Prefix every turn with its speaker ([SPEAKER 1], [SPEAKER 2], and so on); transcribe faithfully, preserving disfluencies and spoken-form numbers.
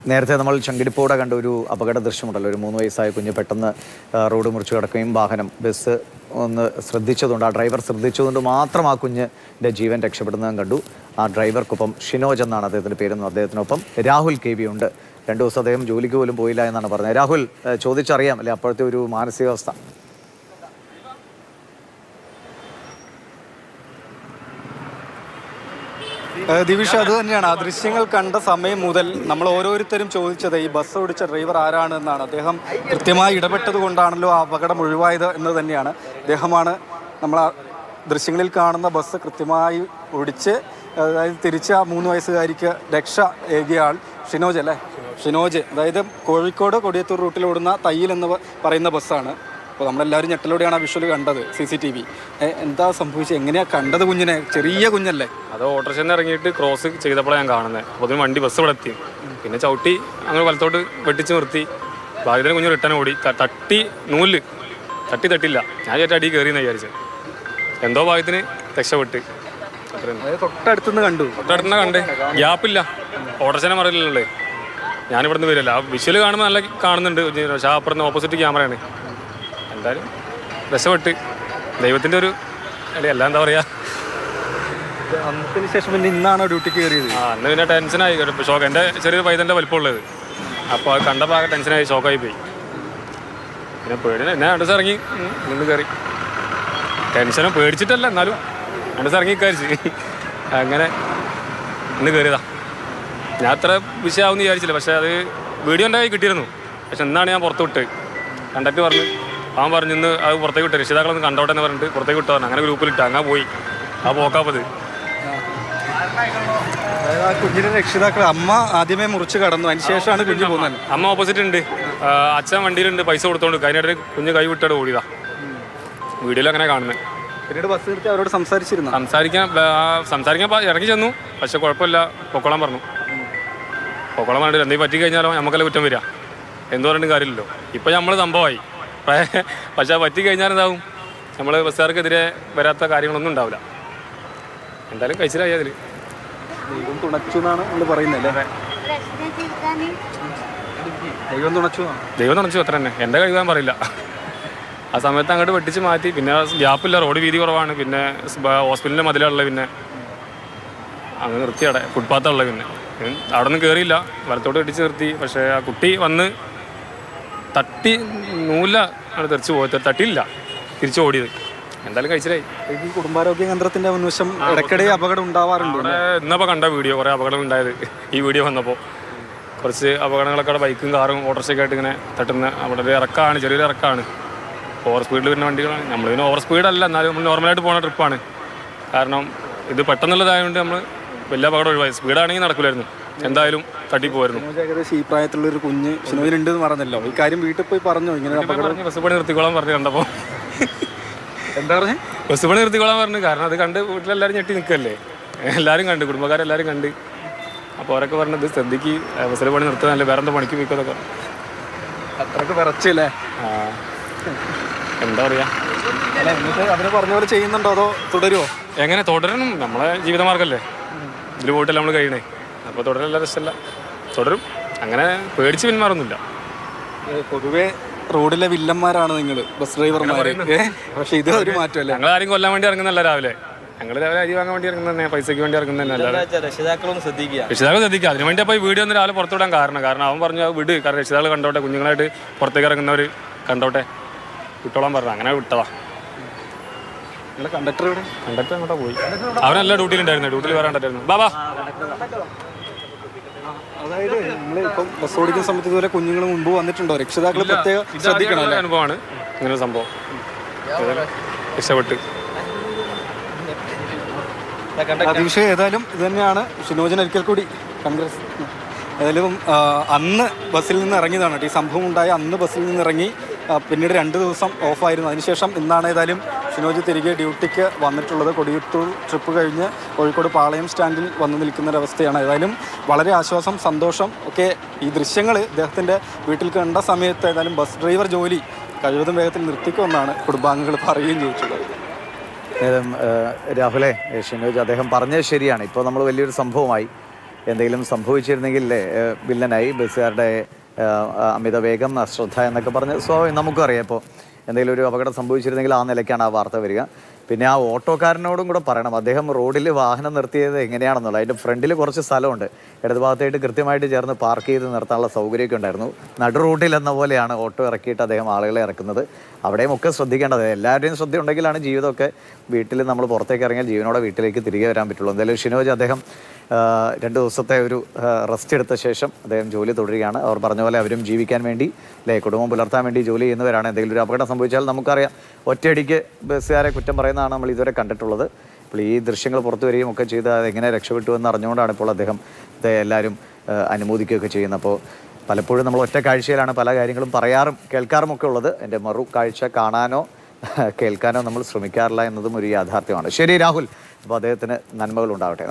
[SPEAKER 1] നേരത്തെ നമ്മൾ ചങ്കിടിപ്പോടെ കണ്ട ഒരു അപകട ദൃശ്യമുണ്ടല്ലോ. ഒരു മൂന്ന് വയസ്സായ കുഞ്ഞ് പെട്ടെന്ന് റോഡ് മുറിച്ച് കിടക്കുകയും വാഹനം ബസ് ഒന്ന് ശ്രദ്ധിച്ചതുകൊണ്ട് ആ ഡ്രൈവർ ശ്രദ്ധിച്ചതുകൊണ്ട് മാത്രം ആ കുഞ്ഞിൻ്റെ ജീവൻ രക്ഷപ്പെടുന്നതും കണ്ടു. ആ ഡ്രൈവർക്കൊപ്പം ഷിനോജ് എന്നാണ് അദ്ദേഹത്തിൻ്റെ പേരെന്നും അദ്ദേഹത്തിനൊപ്പം രാഹുൽ കെ വി ഉണ്ട്. രണ്ടു ദിവസം അദ്ദേഹം ജോലിക്ക് പോലും പോയില്ല എന്നാണ് പറഞ്ഞത്. രാഹുൽ, ചോദിച്ചറിയാം അല്ലെ അപ്പോഴത്തെ ഒരു മാനസികാവസ്ഥ?
[SPEAKER 2] ദിവിഷ, അത് തന്നെയാണ്. ആ ദൃശ്യങ്ങൾ കണ്ട സമയം മുതൽ നമ്മൾ ഓരോരുത്തരും ചോദിച്ചത് ഈ ബസ് ഓടിച്ച ഡ്രൈവർ ആരാണ് എന്നാണ്. അദ്ദേഹം കൃത്യമായി ഇടപെട്ടത് കൊണ്ടാണല്ലോ ആ അപകടം ഒഴിവായത് എന്ന് തന്നെയാണ്. അദ്ദേഹമാണ് നമ്മൾ ആ ദൃശ്യങ്ങളിൽ കാണുന്ന ബസ് കൃത്യമായി ഓടിച്ച് അതായത് തിരിച്ച് ആ മൂന്ന് വയസ്സുകാരിക്ക് രക്ഷ ഏകിയ ആൾ ഷിനോജ് അല്ലേ? ഷിനോജ്, അതായത് കോഴിക്കോട് കൊടിയത്തൂർ റൂട്ടിൽ ഓടുന്ന തയ്യിൽ എന്ന് പറയുന്ന ബസ്സാണ്. അപ്പോൾ നമ്മളെല്ലാവരും ഞെട്ടലോടെയാണ് ആ വിഷ്വൽ കണ്ടത്, സി സി ടി വി. എന്താ സംഭവിച്ചത്? എങ്ങനെയാണ് കണ്ടത് കുഞ്ഞിനെ? ചെറിയ കുഞ്ഞല്ലേ?
[SPEAKER 3] അത് ഓട്ടോറിക്ഷയിൽ നിന്ന് ഇറങ്ങിയിട്ട് ക്രോസ് ചെയ്തപ്പോഴാണ് ഞാൻ കാണുന്നത്. അപ്പോൾ അതിന് വണ്ടി ബസ് ഇവിടെ എത്തി. പിന്നെ ചവിട്ടി അങ്ങനെ വലത്തോട്ട് വെട്ടിച്ച് നിർത്തി. ഭാഗ്യത്തിന് കുഞ്ഞ് റിട്ടേൺ ഓടി. തട്ടി നൂല് തട്ടി തട്ടില്ല. ഞാൻ ചേട്ടാ അടി കയറിയെന്ന് വിചാരിച്ചത്. എന്തോ ഭാഗ്യത്തിന് രക്ഷപ്പെട്ട്.
[SPEAKER 2] തൊട്ടടുത്തുനിന്ന് കണ്ടു.
[SPEAKER 3] തൊട്ടടുത്തുനിന്ന് കണ്ടേ, ഗ്യാപ്പില്ല. ഓട്ടോറിക്ഷനെ മറിയില്ലല്ലേ. ഞാനിവിടുന്ന് വരില്ല. ആ വിഷ്വൽ കാണുമ്പോൾ നല്ല കാണുന്നുണ്ട്. പക്ഷേ ആ അപ്പുറത്ത് ഓപ്പോസിറ്റ് ക്യാമറയാണ്. എന്തായാലും രക്ഷപ്പെട്ട്. ദൈവത്തിൻ്റെ ഒരു അല്ലെ, എല്ലാം എന്താ പറയുക.
[SPEAKER 2] അന്നത്തിന് ശേഷം പിന്നെ ഇന്നാണോ ഡ്യൂട്ടിക്ക് കയറിയത്?
[SPEAKER 3] ആ, അന്ന് പിന്നെ ടെൻഷനായി. ഷോക്ക്. എൻ്റെ ചെറിയൊരു പൈതൻ്റെ വലിപ്പമുള്ളത്. അപ്പോൾ അത് കണ്ടപ്പോൾ ആകെ ടെൻഷനായി, ഷോക്കായി പോയി. പിന്നെ പേടി എന്നെ രണ്ട് ദിവസം ഇറങ്ങി നിന്ന് കയറി. ടെൻഷനും പേടിച്ചിട്ടല്ല, എന്നാലും രണ്ട് ദിവസം ഇറങ്ങി കയറിച്ച് അങ്ങനെ ഇന്ന് കയറിയതാ. ഞാൻ അത്ര വിഷയമാവുമെന്ന് വിചാരിച്ചില്ല. പക്ഷേ അത് വീഡിയോ എൻ്റെ കയ്യിൽ കിട്ടിയിരുന്നു. പക്ഷെ എന്നാണ് ഞാൻ പുറത്ത് വിട്ട്. കണ്ടക്ട് പറഞ്ഞു, അവൻ പറഞ്ഞു ഇന്ന് അത് പുറത്തേക്ക് വിട്ട്, രക്ഷിതാക്കളൊന്ന് കണ്ടോട്ടെ എന്ന് പറഞ്ഞിട്ട് പുറത്തേക്ക് വിട്ടു പറഞ്ഞു. അങ്ങനെ ഗ്രൂപ്പിലിട്ട് അങ്ങനെ പോയി. ആ പോക്കാപ്പത്
[SPEAKER 2] അതായത് ആ കുഞ്ഞിൻ്റെ രക്ഷിതാക്കൾ അമ്മ ആദ്യമേ മുറിച്ച് കടന്നു, അതിന് ശേഷമാണ് കുഞ്ഞ് പോകുന്നത്.
[SPEAKER 3] അമ്മ ഓപ്പോസിറ്റ് ഉണ്ട്, അച്ഛൻ വണ്ടിയിലുണ്ട്, പൈസ കൊടുത്തോണ്ട്. അതിനിടയിൽ കുഞ്ഞ് കൈ വിട്ടോട് ഓടിയതാ. വീഡിയോയിൽ അങ്ങനെ കാണുന്നത്.
[SPEAKER 2] പിന്നീട് ബസ് നിർത്തി അവരോട് സംസാരിച്ചിരുന്നു.
[SPEAKER 3] സംസാരിക്കാൻ സംസാരിക്കാൻ ഇറങ്ങി ചെന്നു. പക്ഷെ കുഴപ്പമില്ല, പൊക്കോളാൻ പറഞ്ഞു. പൊക്കോളാൻ പറഞ്ഞിട്ട് എന്തെങ്കിലും പറ്റി കഴിഞ്ഞാലോ നമുക്കെല്ലാം കുറ്റം വരിക. എന്ത് പറഞ്ഞിട്ടും കാര്യമില്ലല്ലോ. ഇപ്പം നമ്മൾ സംഭവമായി. പക്ഷെ പറ്റി കഴിഞ്ഞാൽ എന്താവും? നമ്മൾ ബസ്സുകാർക്കെതിരെ വരാത്ത കാര്യങ്ങളൊന്നും ഉണ്ടാവില്ല. എന്തായാലും കഴിച്ചിലായി. അതിൽ
[SPEAKER 2] ദൈവം തുണച്ചു എന്നാണ് നമ്മൾ പറയുന്നത്. ദൈവം തുണച്ചു
[SPEAKER 3] ദൈവം തുണച്ചു അത്ര തന്നെ. എൻ്റെ കഴിവാൻ പറയില്ല. ആ സമയത്ത് അങ്ങോട്ട് വെട്ടിച്ച് മാറ്റി. പിന്നെ ഗ്യാപ്പില്ല, റോഡ് വീതി കുറവാണ്. പിന്നെ ഹോസ്പിറ്റലിൻ്റെ മതിലുള്ളത്. പിന്നെ അങ്ങ് നിർത്തി അവിടെ ഫുട്പാത്തുള്ളത്. പിന്നെ അവിടെ നിന്ന് കയറിയില്ല, വലത്തോട്ട് വെട്ടിച്ച് നിർത്തി. പക്ഷേ ആ കുട്ടി വന്ന് തട്ടി നൂല ആണ് തെറിച്ച് പോയത്. തട്ടിയില്ല, തിരിച്ച് ഓടിയത്. എന്തായാലും കഴിച്ചിലായി.
[SPEAKER 2] ഈ കുടുംബാരോഗ്യ കേന്ദ്രത്തിൻ്റെ മുൻവശം ഇടയ്ക്കിടെ അപകടം ഉണ്ടാവാറുണ്ട്.
[SPEAKER 3] അവിടെ ഇന്നപ്പോൾ കണ്ട വീഡിയോ, കുറേ അപകടം ഉണ്ടായത് ഈ വീഡിയോ വന്നപ്പോൾ. കുറച്ച് അപകടങ്ങളൊക്കെ അവിടെ ബൈക്കും കാറും ഓട്ടോറിക്ഷയൊക്കെ ആയിട്ട് ഇങ്ങനെ തട്ടുന്ന. അവിടെ ഒരു ഇറക്കമാണ്, ചെറിയൊരു ഇറക്കമാണ്. ഓവർ സ്പീഡിൽ വരുന്ന വണ്ടികളാണ്. നമ്മൾ പിന്നെ ഓവർ സ്പീഡല്ല, എന്നാലും നമ്മൾ നോർമലായിട്ട് പോകുന്ന ട്രിപ്പാണ്. കാരണം ഇത് പെട്ടെന്നുള്ളതായതുകൊണ്ട് നമ്മൾ വലിയ അപകടം ഒഴിവായി. സ്പീഡാണെങ്കിൽ നടക്കില്ലായിരുന്നു, എന്തായാലും തട്ടിപ്പോയിരുന്നു.
[SPEAKER 2] ഏകദേശം ഈ പ്രായത്തിലുള്ളൊരു കുഞ്ഞ് ഷിനോജിനുണ്ട് എന്ന് പറഞ്ഞല്ലോ. ഈ കാര്യം വീട്ടിൽ പോയി പറഞ്ഞോ? ഇങ്ങനെ
[SPEAKER 3] പറഞ്ഞു, ബസ് പണി നിർത്തിക്കോളാൻ പറഞ്ഞു. കണ്ടപ്പോൾ
[SPEAKER 2] എന്താ പറഞ്ഞേ?
[SPEAKER 3] ബസ് പണി നിർത്തിക്കോളാൻ പറഞ്ഞു. കാരണം അത് കണ്ട് വീട്ടിലെല്ലാവരും ഞെട്ടി നിൽക്കല്ലേ. എല്ലാവരും കണ്ട്, കുടുംബക്കാരെല്ലാവരും കണ്ട്. അപ്പോൾ അവരൊക്കെ പറഞ്ഞത് ശ്രദ്ധിക്ക്, ബസ്സിൽ പണി നിർത്തുന്നതല്ലേ, വേറെ എന്താ പണിക്ക് പോയിക്കോതൊക്കെ.
[SPEAKER 2] അത്രയൊക്കെ വിറച്ചല്ലേ?
[SPEAKER 3] ആ, എന്താ പറയുക.
[SPEAKER 2] അല്ല, എന്നിട്ട് അവര് പറഞ്ഞ പോലെ ചെയ്യുന്നുണ്ടോ അതോ തുടരുമോ?
[SPEAKER 3] എങ്ങനെ തുടരണം? നമ്മളെ ജീവിതമാർഗ്ഗമല്ലേ, ഇതിൽ പോയിട്ടല്ല നമ്മൾ കഴിയണേ. അപ്പോൾ തുടരല്ല, രസമല്ല, തുടരും. അങ്ങനെ പേടിച്ച് പിന്മാറൊന്നുമില്ല.
[SPEAKER 2] പൊതുവേ റോഡിലെ വില്ലന്മാരാണ് നിങ്ങൾ, ബസ് ഡ്രൈവർമാർ. പക്ഷെ ഇത് ഒരു മാറ്റമല്ലേ?
[SPEAKER 3] ഞങ്ങൾ ആരും കൊല്ലാൻ വേണ്ടി ഇറങ്ങുന്നല്ല. രാവിലെ ഞങ്ങൾ രാവിലെ അരി വാങ്ങാൻ വേണ്ടി ഇറങ്ങുന്ന, പൈസയ്ക്ക് വേണ്ടി ഇറങ്ങുന്നതന്നെ.
[SPEAKER 2] രക്ഷിതാക്കളൊന്ന് ശ്രദ്ധിക്കുക,
[SPEAKER 3] രക്ഷിതാക്കൾ ശ്രദ്ധിക്കുക. അതിന് വേണ്ടി അപ്പോൾ ഈ വീഡിയോ ഒന്ന് രാവിലെ പുറത്തുവിടാൻ കാരണം കാരണം അവൻ പറഞ്ഞു വിട്, കാരണം രക്ഷിതാക്കൾ കണ്ടോട്ടെ, കുഞ്ഞുങ്ങളായിട്ട് പുറത്തേക്ക് ഇറങ്ങുന്നവർ കണ്ടോട്ടെ, വിട്ടോളാൻ പറഞ്ഞു. അങ്ങനെ വിട്ടതാ.
[SPEAKER 2] കണ്ടക്ടർ ഇവിടെ
[SPEAKER 3] കണ്ടക്ടർ അങ്ങോട്ടാ പോയി. അവനെല്ലാം ഡ്യൂട്ടിയിലുണ്ടായിരുന്നു, ഡ്യൂട്ടിയിൽ വരാണ്ടായിരുന്നു. ബാബാ,
[SPEAKER 2] അതായത് നിങ്ങൾ ഇപ്പം ബസ് ഓടിക്കുന്ന സമയത്ത് ഇതുപോലെ കുഞ്ഞുങ്ങൾ മുമ്പ് വന്നിട്ടുണ്ടോ? രക്ഷിതാക്കൾ പ്രത്യേകം ശ്രദ്ധിക്കണം.
[SPEAKER 3] അനുഭവമാണ് ഇങ്ങനെ സംഭവം. രക്ഷപ്പെട്ട്
[SPEAKER 2] വിഷയം ഏതായാലും ഇത് തന്നെയാണ്. ഷിനോജിന് ഒരിക്കൽ കൂടി കോൺഗ്രസ്. ഏതായാലും അന്ന് ബസ്സിൽ നിന്ന് ഇറങ്ങിയതാണ്. ഈ സംഭവം ഉണ്ടായ അന്ന് ബസ്സിൽ നിന്ന് ഇറങ്ങി. പിന്നീട് രണ്ട് ദിവസം ഓഫായിരുന്നു. അതിനുശേഷം ഇന്നാണ് ഏതായാലും ഷിനോജ് തിരികെ ഡ്യൂട്ടിക്ക് വന്നിട്ടുള്ളത്. കൊടിയത്തൂർ ട്രിപ്പ് കഴിഞ്ഞ് കോഴിക്കോട് പാളയം സ്റ്റാൻഡിൽ വന്നു നിൽക്കുന്നൊരവസ്ഥയാണ്. ഏതായാലും വളരെ ആശ്വാസം, സന്തോഷം ഒക്കെ. ഈ ദൃശ്യങ്ങൾ ഇദ്ദേഹത്തിൻ്റെ വീട്ടിൽ കണ്ട സമയത്ത് ഏതായാലും ബസ് ഡ്രൈവർ ജോലി കഴിവതും വേഗത്തിൽ നിർത്തിക്കുമെന്നാണ് കുടുംബാംഗങ്ങൾ പറയുകയും ചെയ്തിട്ടുള്ളത്.
[SPEAKER 1] രാഹുലെ, ഷിനോജ് അദ്ദേഹം പറഞ്ഞത് ശരിയാണ്. ഇപ്പോൾ നമ്മൾ വലിയൊരു സംഭവമായി. എന്തെങ്കിലും സംഭവിച്ചിരുന്നെങ്കിൽ ഏഹ്, വില്ലനായി ബസ്സുകാരുടെ ഏഹ്, അമിത വേഗം, അശ്രദ്ധ എന്നൊക്കെ പറഞ്ഞ് സോ നമുക്കും അറിയാം. ഇപ്പോൾ എന്തെങ്കിലും ഒരു അപകടം സംഭവിച്ചിരുന്നെങ്കിൽ ആ നിലയ്ക്കാണ് ആ വാർത്ത വരിക. പിന്നെ ആ ഓട്ടോക്കാരനോടും കൂടെ പറയണം, അദ്ദേഹം റോഡിൽ വാഹനം നിർത്തിയത് എങ്ങനെയാണെന്നുള്ളത്. അതിൻ്റെ ഫ്രണ്ടിൽ കുറച്ച് സ്ഥലമുണ്ട്, ഇടതുഭാഗത്തായിട്ട് കൃത്യമായിട്ട് ചേർന്ന് പാർക്ക് ചെയ്ത് നിർത്താനുള്ള സൗകര്യമൊക്കെ ഉണ്ടായിരുന്നു. നടു റൂട്ടിൽ എന്ന പോലെയാണ് ഓട്ടോ ഇറക്കിയിട്ട് അദ്ദേഹം ആളുകളെ ഇറക്കുന്നത്. അവിടെയും ഒക്കെ ശ്രദ്ധിക്കേണ്ടത്, എല്ലാവരുടെയും ശ്രദ്ധ ഉണ്ടെങ്കിലാണ് ജീവിതമൊക്കെ, വീട്ടിൽ നമ്മൾ പുറത്തേക്ക് ഇറങ്ങിയാൽ ജീവനോടെ വീട്ടിലേക്ക് തിരികെ വരാൻ പറ്റുള്ളൂ. എന്തായാലും ഷിനോജ് അദ്ദേഹം രണ്ട് ദിവസത്തെ ഒരു റെസ്റ്റ് എടുത്ത ശേഷം അദ്ദേഹം ജോലി തുടരുകയാണ്. അവർ പറഞ്ഞ പോലെ അവരും ജീവിക്കാൻ വേണ്ടി അല്ലേ, കുടുംബം പുലർത്താൻ വേണ്ടി ജോലി ചെയ്യുന്നവരാണ്. എന്തെങ്കിലും ഒരു അപകടം സംഭവിച്ചാൽ നമുക്കറിയാം, ഒറ്റയടിക്ക് ബസ്സുകാരെ കുറ്റം പറയുന്നതാണ് നമ്മൾ ഇതുവരെ കണ്ടിട്ടുള്ളത്. അപ്പോൾ ഈ ദൃശ്യങ്ങൾ പുറത്തു വരികയും ഒക്കെ ചെയ്ത് അതെങ്ങനെ രക്ഷപ്പെട്ടു എന്ന് അറിഞ്ഞുകൊണ്ടാണ് ഇപ്പോൾ അദ്ദേഹം എല്ലാവരും അനുമോദിക്കുകയൊക്കെ ചെയ്യുന്നത്. അപ്പോൾ പലപ്പോഴും നമ്മൾ ഒറ്റ കാഴ്ചയിലാണ് പല കാര്യങ്ങളും പറയാറും കേൾക്കാറും ഒക്കെ ഉള്ളത്. എൻ്റെ മറു കാഴ്ച കാണാനോ കേൾക്കാനോ നമ്മൾ ശ്രമിക്കാറില്ല എന്നതും ഒരു യാഥാർത്ഥ്യമാണ്. ശരി രാഹുൽ, അപ്പോൾ അദ്ദേഹത്തിന് നന്മകൾ ഉണ്ടാവട്ടെ.